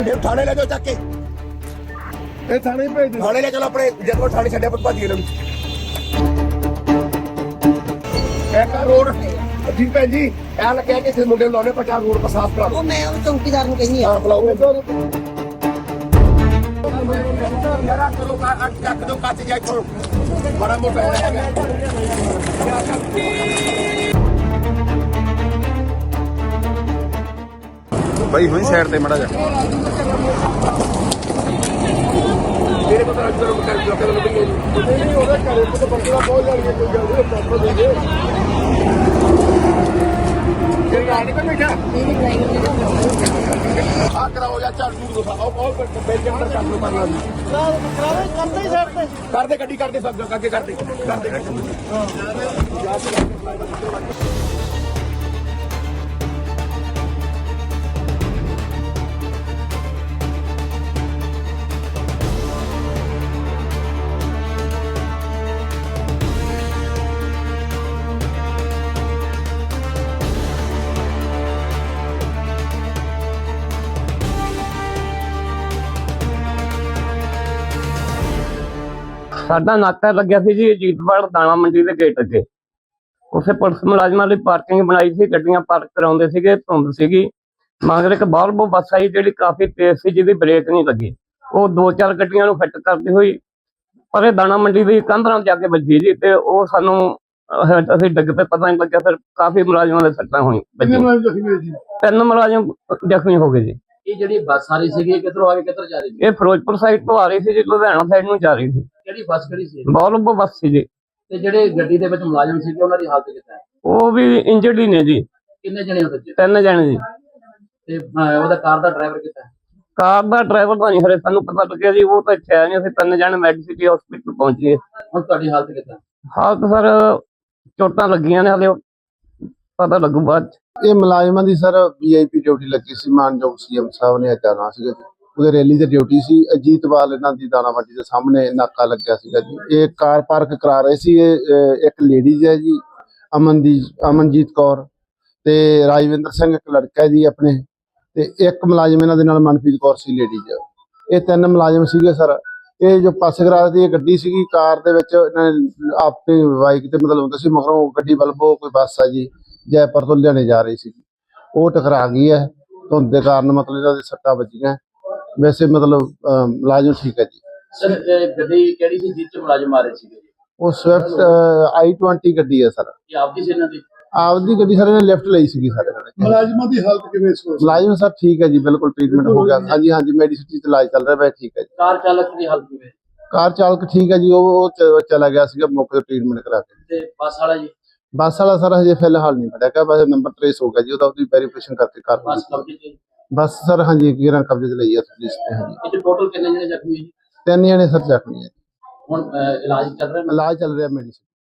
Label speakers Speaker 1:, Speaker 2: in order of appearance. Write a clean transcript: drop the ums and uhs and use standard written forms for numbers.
Speaker 1: थाने ले जाओ चक के थाने भेज थाने ले चलो अपने जब थाने छड्या पुत भाजी लोग रोड जी भैन जी ऐ लग्या कि इस मुंडे लाने पटा रोड पर साफ करा दो मैं चौकीदार ਨੂੰ ਕਹਿੰਨੀ ਆ ਬੁਲਾਓ मेरा करो का चक दो काच जाए छोड़ो बड़ा मोटा है
Speaker 2: भाई हुई साइड ते मड़ा जा
Speaker 1: तेरे को तो आज करो कर दो नहीं होगा करे तो बंदा बहुत जाएगा कोई जल्दी प्रॉपर दे दे तेरी गाड़ी पे बैठा आ कराओ या चार दूर दो आओ और बेल के अंदर कर लो मारना करावे करते ही साइड पे कर दे सब आगे कर दे हां
Speaker 3: ਸਾਡਾ ਨਾਕਾ ਲੱਗਿਆ ਸੀ ਜੀ ਅਜੀਤਵਾਲ ਦਾਣਾ ਮੰਡੀ ਦੇ ਗੇਟ ਅੱਗੇ। ਉੱਥੇ ਪੁਲਿਸ ਮੁਲਾਜ਼ਮਾਂ ਲਈ ਪਾਰਕਿੰਗ ਬਣਾਈ ਸੀ, ਗੱਡੀਆਂ ਪਾਰਕ ਕਰਾਉਂਦੇ ਸੀਗੇ, ਧੁੰਦ ਸੀਗੀ। ਮਗਰ ਇੱਕ ਬਾਲਵੋ ਬੱਸ ਆਈ ਜਿਹੜੀ ਕਾਫੀ ਤੇਜ਼ ਸੀ, ਜਿਹਦੀ ਬ੍ਰੇਕ ਨਹੀਂ ਲੱਗੀ। ਉਹ 2-4 ਗੱਡੀਆਂ ਨੂੰ ਫਿੱਟ ਕਰਦੀ ਹੋਈ ਪਰ ਇਹ ਦਾਣਾ ਮੰਡੀ ਦੀ ਕੰਧ ਨਾਲ ਜਾ ਕੇ ਵੱਜੀ ਜੀ, ਤੇ ਉਹ ਸਾਨੂੰ ਅਸੀਂ ਡਿੱਗ ਪਏ, ਪਤਾ ਨਹੀਂ ਲੱਗਿਆ। ਫਿਰ ਕਾਫੀ ਮੁਲਾਜ਼ਮਾਂ ਦੇ ਸੱਟਾਂ ਹੋਈਆਂ। 3 ਮੁਲਾਜ਼ਮ ਜ਼ਖਮੀ ਹੋ ਗਏ ਜੀ।
Speaker 4: ਇਹ ਜਿਹੜੀ ਬੱਸ ਆ ਰਹੀ ਸੀਗੀ ਕਿੱਧਰੋਂ ਆ ਕੇ ਕਿੱਧਰ ਜਾ ਰਹੀ ਸੀ?
Speaker 3: ਇਹ ਫਿਰੋਜ਼ਪੁਰ ਸਾਈਡ ਤੋਂ ਆ ਰਹੀ ਸੀ ਜੀ, ਲੁਧਿਆਣਾ ਸਾਈਡ ਨੂੰ ਜਾ ਰਹੀ ਸੀ।
Speaker 4: ਕਿਹੜੀ ਬੱਸ ਕਿਹੜੀ ਸੀ?
Speaker 3: ਬਾਲਵੋ ਬੱਸ ਸੀ ਜੀ।
Speaker 4: ਤੇ ਜਿਹੜੇ ਗੱਡੀ ਦੇ ਵਿੱਚ ਮੁਲਾਜ਼ਮ ਸੀਗੇ ਉਹਨਾਂ ਦੀ ਹਾਲਤ ਕਿੱਦਾਂ ਹੈ?
Speaker 3: ਉਹ ਵੀ ਇੰਜਰਡ ਹੀ ਨੇ ਜੀ।
Speaker 4: ਕਿੰਨੇ ਜਣੇ ਉਹਦੇ ਚ?
Speaker 3: 3 ਜਣੇ ਜੀ।
Speaker 4: ਤੇ ਉਹਦਾ ਕਾਰ ਦਾ ਡਰਾਈਵਰ ਕਿੱਦਾਂ ਹੈ?
Speaker 3: ਕਾਰ ਦਾ ਡਰਾਈਵਰ ਤਾਂ ਨਹੀਂ ਹਰੇ ਸਾਨੂੰ ਪਤਾ ਲੱਗਿਆ ਜੀ, ਉਹ ਤਾਂ ਇੱਥੇ ਆਏ ਨਹੀਂ। ਅਸੀਂ 3 ਜਣੇ ਮੈਡੀਸਿਟੀ ਹਸਪੀਟਲ ਪਹੁੰਚ ਗਏ।
Speaker 4: ਹੁਣ ਤੁਹਾਡੀ ਹਾਲਤ ਕਿੱਦਾਂ?
Speaker 3: ਹਾਲਤ ਸਰ ਚੋਟਾਂ ਲੱਗੀਆਂ ਨੇ, ਹਲੇ ਪਤਾ ਲੱਗੂ ਬਾਅਦ ਚ।
Speaker 5: ਇਹ ਮੁਲਾਜ਼ਮਾਂ ਦੀ ਸਰ ਵੀਆਈਪੀ ਡਿਊਟੀ ਲੱਗੀ ਸੀ। ਮਾਨਯੋਗ ਸੀਐਮ ਸਾਹਿਬ ਨੇ ਜਾਣਾ ਸੀਗਾ ਜੀ, ਉਹਦੇ ਰੈਲੀ ਤੇ ਡਿਊਟੀ ਸੀ। ਅਜੀਤਵਾਲ ਇਹਨਾਂ ਦੀ ਦਾਣਾ ਮੰਡੀ ਦੇ ਸਾਹਮਣੇ ਨਾਕਾ ਲੱਗਿਆ ਸੀਗਾ ਜੀ। ਇਹ ਕਾਰ ਪਾਰਕ ਕਰਾ ਰਹੇ ਸੀ। ਇਹ ਇੱਕ ਲੇਡੀਜ਼ ਹੈ ਜੀ, ਅਮਨਜੀਤ ਕੌਰ, ਤੇ ਰਾਜਵਿੰਦਰ ਸਿੰਘ ਇੱਕ ਲੜਕਾ ਹੈ ਜੀ ਆਪਣੇ, ਤੇ ਇੱਕ ਮੁਲਾਜ਼ਮ ਇਹਨਾਂ ਦੇ ਨਾਲ ਮਨਪ੍ਰੀਤ ਕੌਰ ਸੀ ਲੇਡੀਜ਼। ਇਹ 3 ਮੁਲਾਜ਼ਮ ਸੀਗੇ ਸਰ। ਇਹ ਜੋ ਪਾਸੇ ਕਰਾ ਦੀ ਗੱਡੀ ਸੀਗੀ, ਕਾਰ ਦੇ ਵਿੱਚ ਇਹਨਾਂ ਨੇ ਆਪਣੀ ਬਾਈਕ ਤੇ ਮਤਲਬ ਹੁੰਦਾ ਸੀ, ਮਗਰੋਂ ਗੱਡੀ ਵੱਲੋਂ ਕੋਈ ਬੱਸ ਆ ਜੀ ਜੈਪੁਰ ਤੋਂ ਲੁਧਿਆਣੇ ਜਾ ਰਹੀ ਸੀ, ਉਹ ਟਕਰਾ ਗਈ ਹੈ। ਧੁੰਦ ਦੇ ਕਾਰਨ ਮਤਲਬ ਇਹਨਾਂ ਦੇ ਸੱਟਾਂ ਵੱਜੀਆਂ। ਵੈਸੇ ਮਤਲਬ ਮੁਲਾਜ਼ਮ ਠੀਕ ਹੈ ਜੀ।
Speaker 4: ਸਰ ਗੱਡੀ ਕਿਹੜੀ ਸੀ ਜਿਸ ਚ ਮੁਲਾਜ਼ਮ ਆ ਰਹੇ ਸੀਗੇ?
Speaker 5: ਉਹ ਸਵਿਫਟ i20 ਗੱਡੀ ਹੈ ਸਰ।
Speaker 4: ਇਹ ਆਪਦੀ ਸੀ ਇਹਨਾਂ ਦੀ?
Speaker 5: ਆਪਦੀ ਗੱਡੀ ਸਰ ਇਹਨੇ ਲਿਫਟ ਲਈ ਸੀਗੀ ਸਰ।
Speaker 1: ਮੁਲਾਜ਼ਮਾਂ ਦੀ ਹਾਲਤ ਕਿਵੇਂ ਸੀ?
Speaker 5: ਮੁਲਾਜ਼ਮ ਸਰ ਠੀਕ ਹੈ ਜੀ, ਬਿਲਕੁਲ ਟ੍ਰੀਟਮੈਂਟ ਹੋ ਗਿਆ। ਹਾਂਜੀ ਮੈਡੀਸਿਟੀ ਤੇ ਇਲਾਜ ਚੱਲ ਰਿਹਾ ਹੈ, ਠੀਕ ਹੈ ਜੀ।
Speaker 4: ਕਾਰ ਚਾਲਕ ਦੀ ਹਾਲਤ ਕਿਵੇਂ?
Speaker 5: ਕਾਰ ਚਾਲਕ ਠੀਕ ਹੈ ਜੀ, ਉਹ ਚਲਾ ਗਿਆ ਸੀਗਾ ਮੌਕੇ ਤੇ ਟ੍ਰੀਟਮੈਂਟ ਕਰਾ ਕੇ।
Speaker 4: ਤੇ ਬੱਸ ਵਾਲਾ ਜੀ?
Speaker 5: ਬੱਸ ਵਾਲਾ ਸਰ ਹਜੇ ਫਿਲਹਾਲ ਨਹੀਂ ਫੜਿਆ ਗਿਆ, ਬਸ ਨੰਬਰ ਟ੍ਰੇਸ ਹੋ ਗਿਆ ਜੀ ਉਹਦਾ, ਉਹਦੀ ਵੈਰੀਫਿਕੇਸ਼ਨ ਕਰਕੇ ਕਰ
Speaker 4: ਬੱਸ ਕਬਜ਼ੇ ਤੇ?
Speaker 5: ਬੱਸ ਸਰ ਹਾਂਜੀ ਗਿਰਾਂ ਕਬਜ਼ੇ ਤੇ ਲਈ ਹੈ ਪੁਲਿਸ ਨੇ। ਹਾਂਜੀ
Speaker 4: ਇਹ ਟੋਟਲ ਕਿੰਨੇ ਜਣੇ ਜ਼ਖਮੀ ਹੈ ਜੀ?
Speaker 5: 3 ਜਣੇ ਸਰ ਜ਼ਖਮੀ ਹੈ।
Speaker 4: ਹੁਣ ਇਲਾਜ ਚੱਲ ਰਿਹਾ?
Speaker 5: ਇਲਾਜ ਚੱਲ ਰਿਹਾ ਮੈਡੀਸਿਨ।